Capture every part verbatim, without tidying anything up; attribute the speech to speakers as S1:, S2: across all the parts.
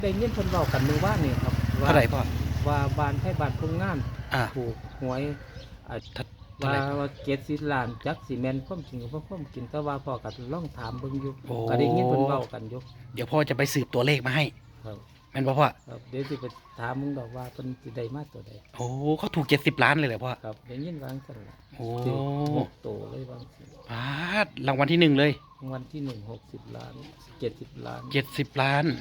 S1: ได้ยินเพิ่นเว้ากันมื้อวานนี่ครับว่า
S2: เท่าไหร่พ่อ
S1: ว่าบ้านไทบ้านโรงงาน
S2: อ่า
S1: ถูกหวยอ่า
S2: เท่าเท่า
S1: ว่า
S2: ไหร่
S1: ว่าเจ็ดสิบล้านจักสิแม่นความจริงก็บ่ความจริงแต่ว่าพ่อก็ลองถามเบิ่งอยู่
S2: โอ้
S1: ก็ได้ยินเพิ่นเว้ากันอยู่
S2: เดี๋ยวพ่อจะไปสืบตัวเลขมาให้
S1: ครับ
S2: แม่นบ่พ่อ
S1: ครับเดี๋ยวสิไปถามมึงดอกว่าเพิ่นสิได้มาตัวใด
S2: โอ้เขาถูกเจ็ดสิบล้านเลยเหรอพ่อ
S1: ครับได้ยินว่าจังซั่นล่ะ
S2: โอ้
S1: ถูกหกโตเลยว่าจังซี่
S2: พาดรางวัลที่หนึ่งเลย
S1: รางวัลที่หนึ่ง หกสิบล้านเจ็ดสิบล้าน
S2: เจ็ดสิบล้าน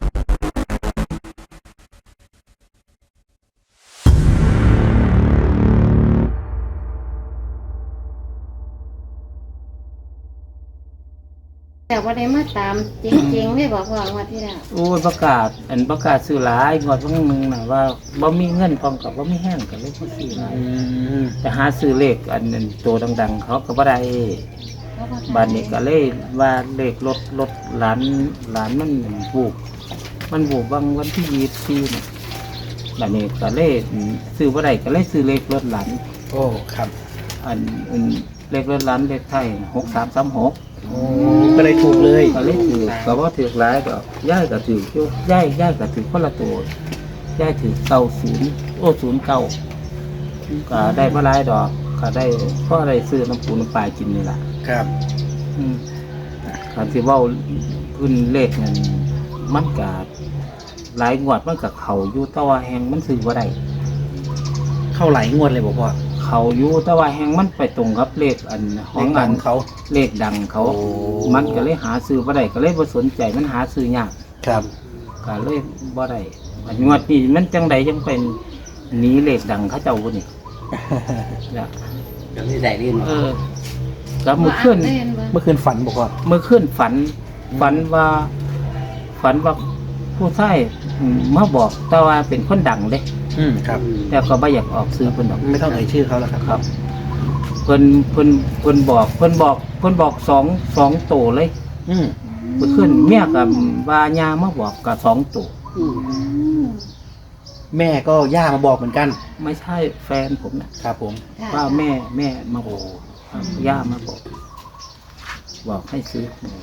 S3: แต่ว่าได้มาตามจริงๆไม่บอกว่าวันที่แล้ว
S1: โอ้ยประกาศอันประกาศซื้อหลายงวดวันนึงน่ะว่าบ่มีเงินพร้อมกับบ่มีแห้งก็เลยบ่ซื้อหลาย
S2: อืม
S1: จะหาซื้อเลขอันนั้นตัวดังๆ เขาก็บ่ได้
S3: เพราะว่า
S1: บ้านนี้ก็เลยว่าเลขรถรถหลานหลานมันบูบมันบูบบางวันที่ยี่สิบสี่นี่บ้านนี้ก็เลยซื้อบ่ได้ก็เลยซื้อเลขรถหลาน
S2: โอ้ครับ
S1: อันอันเลขรถหลานเลขไทยหกสามสามหก
S2: โอ้ก็เลยถูกเลย
S1: ก็เลยถือก็บ่ถือหลายก็ย่ายก็ถืออยู่ย่ายย่ายก็ถือคนละตัวย่ายถือเก้าศูนย์โอ้ศูนย์เก้าก็ได้บ่หลายดอกก็ได้เพราะได้ซื้อน้ำปูน้ำปลากินนี่ล่ะ
S2: ครับ
S1: อืมการที่เว่าพื้นเลขนั่นมันกาหลายงวดมันกับเขาอยู่แตะว่าแหงมันซื้อว่าได้
S2: เข้าหลายงวดเลยบอกพ่อ
S1: เขาอยู่แตะว่าแหงมันไปตรงกับเลขอันของอัน
S2: เขา
S1: เลขดังเขา
S2: โอ้
S1: มันก็เลยหาซื้อว่าได้ก็เลยบ่สนใจมันหาซื้อยาก
S2: ครับ
S1: ก็เลยบ่ได้อันงวดนี้มันจังใดจังเป็นหนีเลขดังเขาเจ้าบ่นี่ เนี่ย
S2: ยังไม่ได้เล่น
S1: เออก็มื้อคืน
S3: เล่นบ่
S2: เมื่อคืนฝันบอกว่า
S1: เมื่อคืนฝัน ฝันว่า ฝันว่าผู้ชายอืมมาบอกแต่ว่าเป็นคนดังเด้
S2: อืมครับ
S1: แต่ก็ไม่อยากออกซื้อเพิ่นดอก
S2: ไม่ต้องเอ่ยชื่อเขาแล้วครับ
S1: ครับเพิ่นเพิ่นเพิ่นบอกเพิ่นบอกเพิ่นบอกสองสองโตเลย
S2: อืม
S1: เมื่อคืนเมียกับวายามาบอกกับสองโต
S3: อืม
S2: แม่ก็ย่ามาบอกเหมือนกัน
S1: ไม่ใช่แฟนผมนะครับ
S2: ผม
S3: ค่ะ
S1: ว่าแม่แม่มาบอกครับย่ามาบอก บอกให้ซื้อหวย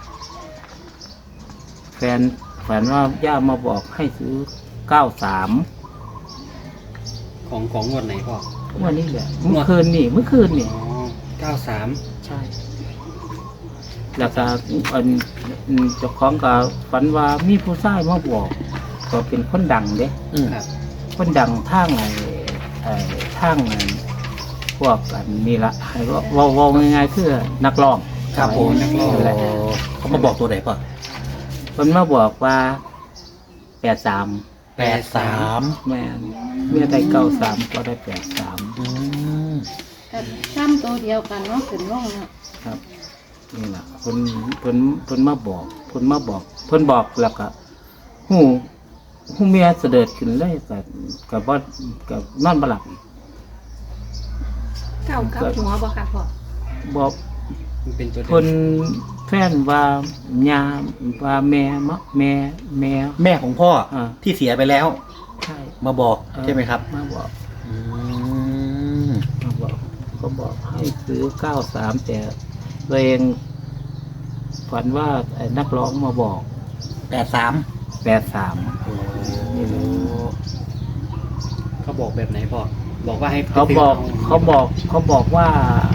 S1: แฟนฝันว่าย่ามาบอกให้ซื้อเก้าสาม
S2: ของของงวดไหนพ่อ
S1: วันนี้แหละเมื่อคืนนี่เมื่อคืนนี่
S2: อ๋อเก้าสาม
S1: ใช่ แล้วก็อันอันเจ้าของก็ฝันว่ามีผู้ชายมาบอกก็เป็นคนดังเด้
S2: อืมครับ
S1: คนดังทางไอ้ไอ้ทางไอ้พวกอันนี่ละให้เว่าเว่าง่ายๆคือนักร้อง
S2: ครับผม
S1: นักร้องแหละ
S2: เขามาบอกตัวไหนพ่อ
S1: คนมาบอกว่าแปดสาม
S2: แปดสาม
S1: แม่นเมื่อได้เก้าสามก็ได้แปดสาม
S2: อืม
S3: ก็ซ้ำตัวเดียวกันเนาะขึ้นลงเนาะ
S1: ครับนี่แหละเพิ่นเพิ่นเพิ่นมาบอกเพิ่นมาบอก เพิ่นบอกแล้วก็หูหูเมียเสด็จขึ้นเลยกับกับว่ากับนอนบ่หลับอีก
S3: เก้าเก้าหัวบ่ค่ะพ่อ
S1: บอก
S2: มันเป็นตัว
S1: เพิ่นแฟนว่าญาว่าแม่มะแม่แม่
S2: แม่ของพ่อ
S1: อ่า
S2: ที่เสียไปแล้ว
S1: ใช่
S2: มาบอก
S1: เออ
S2: ใช่ไหมครับ
S1: มาบอก
S2: อืม
S1: มาบอกก็บอกให้ซื้อเก้าสามแต่ตัวเองฝันว่าไอ้นักร้องมาบอก
S2: แปดสาม
S1: แปดสาม
S2: นี่เลยเขาบอกแบบไหนพ่อบอกว่าให้
S1: เขาบอกเขาบอกเขาบอกว่า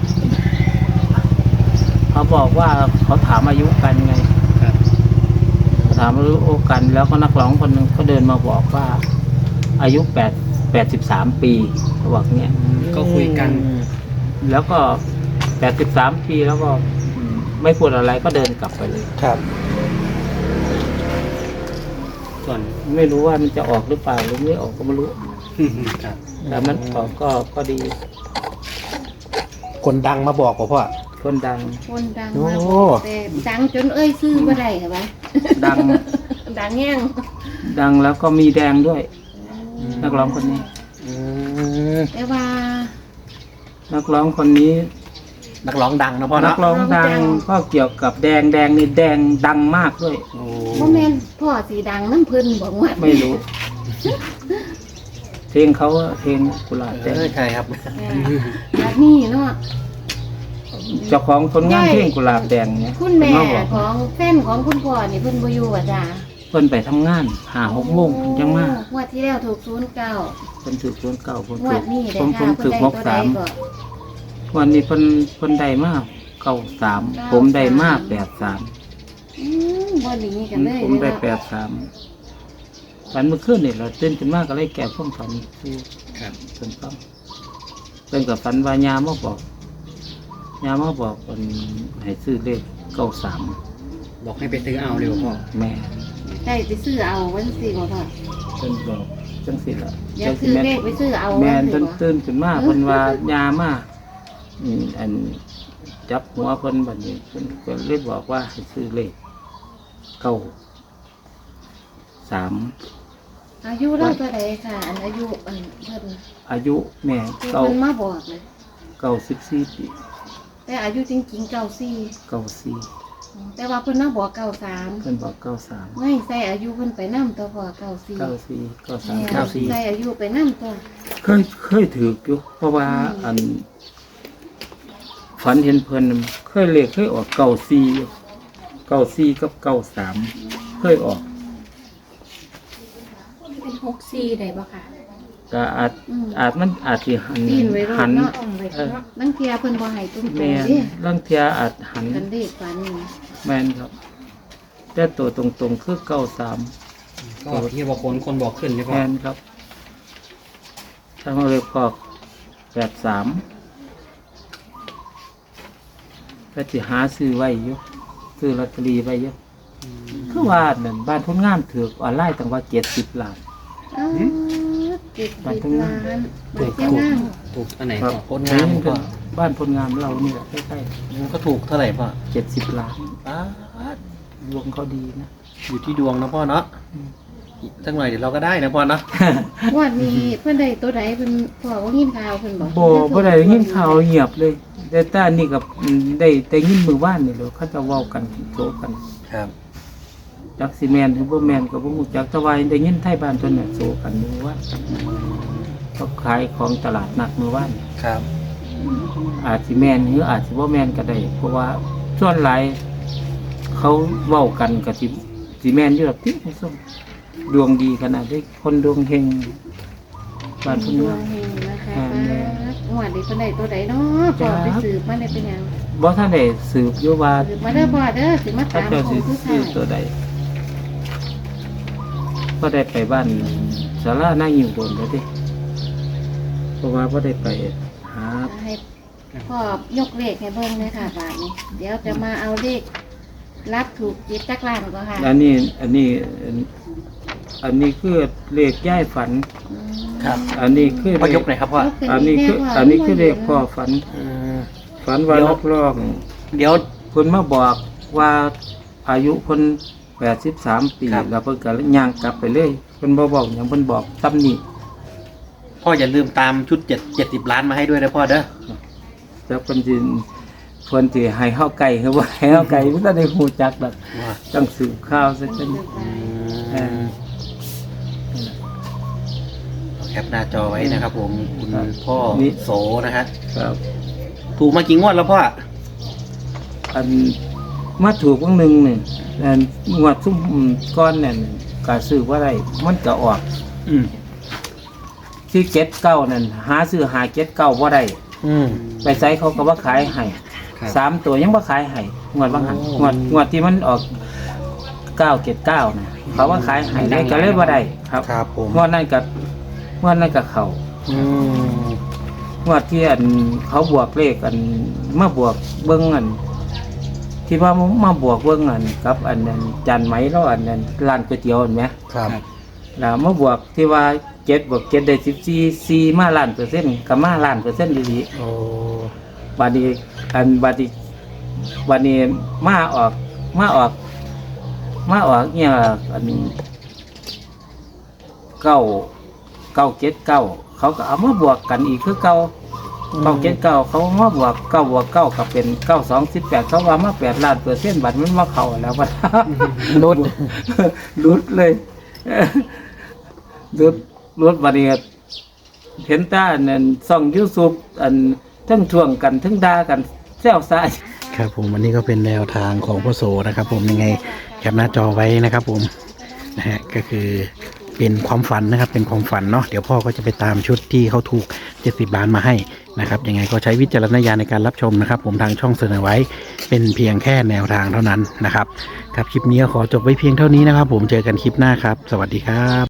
S1: เขาบอกว่าเขาถามอายุกันไง
S2: ครับ
S1: ถามอายุกันแล้วก็นักร้องคนหนึ่งก็เดินมาบอกว่า อายุแปดแปดสิบสามปีเขาบอกเนี้ย
S2: ก็คุยกัน
S1: แล้วก็แปดสิบสามปีแล้วก็อืมไม่พูดอะไรก็เดินกลับไปเลย
S2: ครับ ส่วน
S1: ไม่รู้ว่ามันจะออกหรือเปล่าหรือไม่ออกก็ไม่รู้
S2: ครับ
S1: แต่มันออกก็ก็ดี
S2: คนดังมาบอกพ่อ
S1: คนดัง
S3: คนดัง
S2: โอ้
S3: มากบอกแต่ดังจนเอ้ยซื้อบ่ได้ค่ะวะ
S1: ดัง
S3: ดังแง่ง
S1: ดังแล้วก็มีแดงด้วย นักร้องคนนี้
S2: อืม
S3: แต่ว่า
S1: นักร้องคนนี้
S2: นักร้องดังนะพ่อ
S1: นั
S2: เนาะ
S1: กร้องดังก็เกี่ยวกับแดงแดงนี่แดงดังมากด้วย
S2: โอ้
S3: พ่อแม่นพ่อสีดังน้ำเพิ่นบอกว่า
S1: ไม่รู้ เพลงเขาอะเพลงกุหลาบแด
S2: เอง อใช่ครับ
S3: แบบนี้เนาะ
S1: เจ้าของผลงานเพลงกุหลาบแดงเนี่ย
S3: คุณแม่
S1: เพิ่นมาบอก
S3: ของแฟนของคุณพ่อนี่เพิ่นบ่อยู่อ่ะจ้า
S1: เพิ่นไปทำงานหาหกโมงเพิ่นจังมาง
S3: วดที่แล้วถูกศูนย์เก้า
S1: เพิ่นถือศูนย์เก้าเพิ่น
S3: ง
S1: ถื
S3: ว
S1: อ
S3: ดนี้ได้
S1: ผมผ
S3: ค่ะ
S1: ม
S3: เพิ่
S1: ถื
S3: น
S1: อ
S3: ได้
S1: ห
S3: ตัว
S1: ก
S3: ใด
S1: สาม
S3: ก่อน
S1: วันนี้เพิ่นเพิ่นได้มาเก้าสามผมได้มาแปดสาม
S3: อืมบ่หนีกันเลย
S1: ผมได้
S3: เนาะ
S1: แปดสามฝันเมื่อคืนนี่เราตื่นขึ้นมาก็เลยแก้พวกฝันคือ
S2: ครับ
S1: เพิ่นฟังเพิ่นกับฝันว่ายามาบอกยามาบอกเพิ่นให้ซื้อเลขเก้าสาม
S2: บอกให้ไปซื้อเอาเร็วพ่อ
S1: แม่
S3: ได้ไปซื้อเอาวันสิบ่พ่อ
S1: เพิ่นบอกจังสิล่ะ
S3: อยากซื้อเลขไปซื้อเอา
S1: แม่
S3: วัน
S1: น
S3: สิ
S1: เพิ่น
S3: บ่
S1: ตื่นขึ้นมาเพิ่นว่ายามาอืมอันจับหัวเพิ่นบัดนี้เพิ่นก็เลยบอกว่าให้ซื้อเลขเก้าสาม
S3: อายุเราเท่าใดค่ะ อันอายุอันเพิ่น
S1: อายุแม่
S3: ที่
S1: เก้า
S3: เพิ่นมาบอกเลย
S1: เก้าสิบสี่ปี
S3: แต่อายุจริงๆเก้าสี่
S1: เก้าสี่
S3: แต่ว่าเพิ่นมาบอกเก้าสาม
S1: เพิ่นบอกเก้าสาม
S3: ไม่ใส่อายุเพิ่นไปนำตัวพ่อเก้าสี่
S1: เก้าสี่เก้าสาม
S3: แม่
S1: เก้าสี่
S3: ใส่อายุไปนำตัว
S1: เคยเคยถืออยู่เพราะว่าอัน ฝันเห็นเพิ่นเคยเลขเคยออกเก้าสี่เก้าสี่กับเก้าสามเคยออก
S3: เป็นหกสี่ได้บ่ค่ะ
S1: ก็อาจ
S3: อืม
S1: อาจมันอาจสิหัน
S3: ปีนไว้รอ
S1: หั
S3: ด
S1: น
S3: เนาะ
S1: เออ
S3: นังเทียเพิ่นบ่ให้ตุ้มโต
S1: แม่น
S3: เด้
S1: ลังเทียอาจหัน
S3: กันเลขฝันนี่
S1: แม่นครับ แต่ตัวตรงๆคือเก้าสาม
S2: ก็ที่บอกคนคนบอกขึ้นใช่พ่อ
S1: แม่นครับถ้าเราเลยพอกแปดสามก็จะหาซื้อไว้อยู่ซื้อลอตเตอรี่ไว้อยู่คือว่านั่นบ้านพ้นงานถือออนไลน์ตั้งว่าเจ็ดสิบล้าน
S3: อ้าวเจ็ด
S1: บ้าน
S3: สิบ
S1: ทุ่ง
S3: ล้า
S1: นา
S3: นบ้านเจ้างาม
S2: ถูกอันไหน
S1: ครั
S2: พ่
S1: บ
S2: อโคตรงามพ่อ
S1: บ้านพลงามเรานี่แหละใกล้
S2: มันก็ถูกเท่าไหร่พ่อ
S1: ๆเจ็ดสิบล้าน
S2: ป๊าด
S1: ดวงเขาดีนะ
S2: อยู่ที่ดวงนะพ่อเนาะอีกสักหน่อยเดี๋ยวเราก็ได้นะพ่อเนาะ
S3: งวันนี้เพิ่นได้ตัวใดเพิ่นพ่อว่ายินข่าวเพิ่นบอก
S1: โบบ่ได้ยินข่าวเงียบเลยแต่ตานี่กับได้แต่ยินมือว่านนี่เดี๋ยวเขาจะเว้ากันโซกัน
S2: ครับ
S1: จักซีแมนหรือบ่แมนก็บ่ฮู้จักแต่ว่าได้ยินไทยบ้านเพิ่นน่ะโซกันมือว่านเขาขายของตลาดนัดมือว่าน
S2: ครับ
S1: อาจสิแมนหรืออาจสิบ่แมนก็ได้ เพราะว่าส่วนหลายเขาเว้ากันก็สิสิแมนอยู่ดอกติส้มดวงดีขนาดนี้คนดวงเฮงบ้านเพิ่น
S3: ดว
S1: ว่า
S3: งเฮงนะคะ
S1: อ่าแม่
S3: งวดนี้เพิ่นได้ตัวใดเนาะพ่อไปสืบมาได้เป็นหยัง
S1: บ่ทันได้สืบอยู่ว่า
S3: สืบมาเด้อพ่อเด้อสิมา
S1: เขา
S3: ตาม
S1: เจ้า
S3: ขอ
S1: สิ
S3: งผู้
S1: ซื้
S3: ชา
S1: อย ตัวใดก็ได้ไปบ้านสาราหน้าอยู่โดนแล้วดิเพราะว่าบ่ได้ไปหา
S3: ให้พ่อยกเลขให้เบิ่งเลยค่ะบาทนี้ เดี๋ยวจะมาเอาเลขรับถูกจิตจักล้านก็ค่ะ
S1: อันนี้ อันนี้อันอันนี้คือเลขย่ายฝัน
S3: อืม
S2: ครับ
S1: อันนี้คือ
S2: พ่อยกหน่อยครับพ่อ
S1: อันนี้คือ อันนี้คือเลขพ่อฝัน
S2: อืม
S1: ฝันว่า
S2: เดี๋ยว
S1: นักร้อง
S2: เดี๋ยว
S1: เพิ่นมาบอกว่าอายุเพิ่นแปดสิบสามปี
S2: ครับ
S1: แล้วเพิ่นก็ย่างกลับไปเลยเพิ่นบ่บอกหยังเพิ่นบอกตำหนิ
S2: พ่ออย่าลืมตามชุดเจ็ดเจ็ดสิบล้านมาให้ด้วยนะพ่อเด้อ
S1: แล้วเพิ่นสิเพิ่นสิให้เฮาไก่คือว่าให้เฮาไก่บ่ทันได้ฮู้จักดอก
S2: ว่า
S1: ต้องสืบข่าวซะ
S3: ต้อง
S1: จัง
S3: สืบไป
S1: เออ
S2: แคปหน้าจอไว้นะครับผมคุณ
S1: ครับ
S2: พ่อ
S1: นี่
S2: โสนะฮะ
S1: ครับ
S2: ถูกมากี่งวดแล้วพ่อ
S1: อันมาถูกวงหนึงนี่อันงวดซุ่มก้อนนั่นก็ซื้อบ่ได้มันก็ออก
S2: อืม
S1: ที่เจ็ดเก้านั่นหาซื้อหาเจ็ดเก้าบ่ได้
S2: อืม
S1: ไปไสเขาก็บ่ขายให้
S2: ครับ
S1: สามตัวยังบ่ขายให้งวดบางหัน
S2: โอ้
S1: งวดงวดที่มันออกเก้าเจ็ดเก้านะเขาว่าขายให้ได้ก็เลยบ่ได้ครับ
S2: ครับผม
S1: งวดนั้นกับงวดนั้นกับเขา
S2: อืม
S1: งวดที่อันเขาบวกเลขอันมาบวกเบิ้งอัน ที่ว่ามาบวกเบิ้งอันกับ อันนั้นจานไหมแล้วอันนั้นร้านก๋วยเตี๋ยวเห็นไหม
S2: ครับ
S1: แล้วมาบวกที่ว่าเจ็ดบวกเจ็ดได้สิบสี่สี่มาล้านเปอร์เซ็นต์กับมาล้านเปอร์เซ็นต์ดี
S2: โอ้
S1: ๆบัดนี้อันบัดนี้บัดนี้มาออกมาออก มาออกเนี่ยอันเก้าเก้าเจ็ดเก้าเขาก็เอามาบวกกันอีกคือเก้าเก้าเจ็ดเก้าเขามาบวกเก้าบวกเก้าก็เป็นเก้าสองสิบแปดเขาว่ามาแปดล้านเปอร์เซ็นต์บัตรมันมาเข้าแล้วบัด
S2: นุด
S1: รุดเลยรุดรุดบัดนี้เห็นตาอันนั้นส่องยูทูบอันทั้งทวงกันทั้งด่ากันแซวซ่า
S2: ครับผมอันนี้ก็เป็นแนวทางของพ่อโสนะครับ ผมยังไงแคปหน้าจอไว้นะครับ ผม
S4: นะฮะก็คือเป็นความฝันนะครับเป็นความฝันเนาะเดี๋ยวพ่อก็จะไปตามชุดที่เขาถูกเจ็ดสิบล้านมาให้นะครับยังไงก็ใช้วิจารณญาณในการรับชมนะครับผมทางช่องเสนอไว้เป็นเพียงแค่แนวทางเท่านั้นนะครับครับคลิปนี้ก็ขอจบไว้เพียงเท่านี้นะครับผมเจอกันคลิปหน้าครับสวัสดีครับ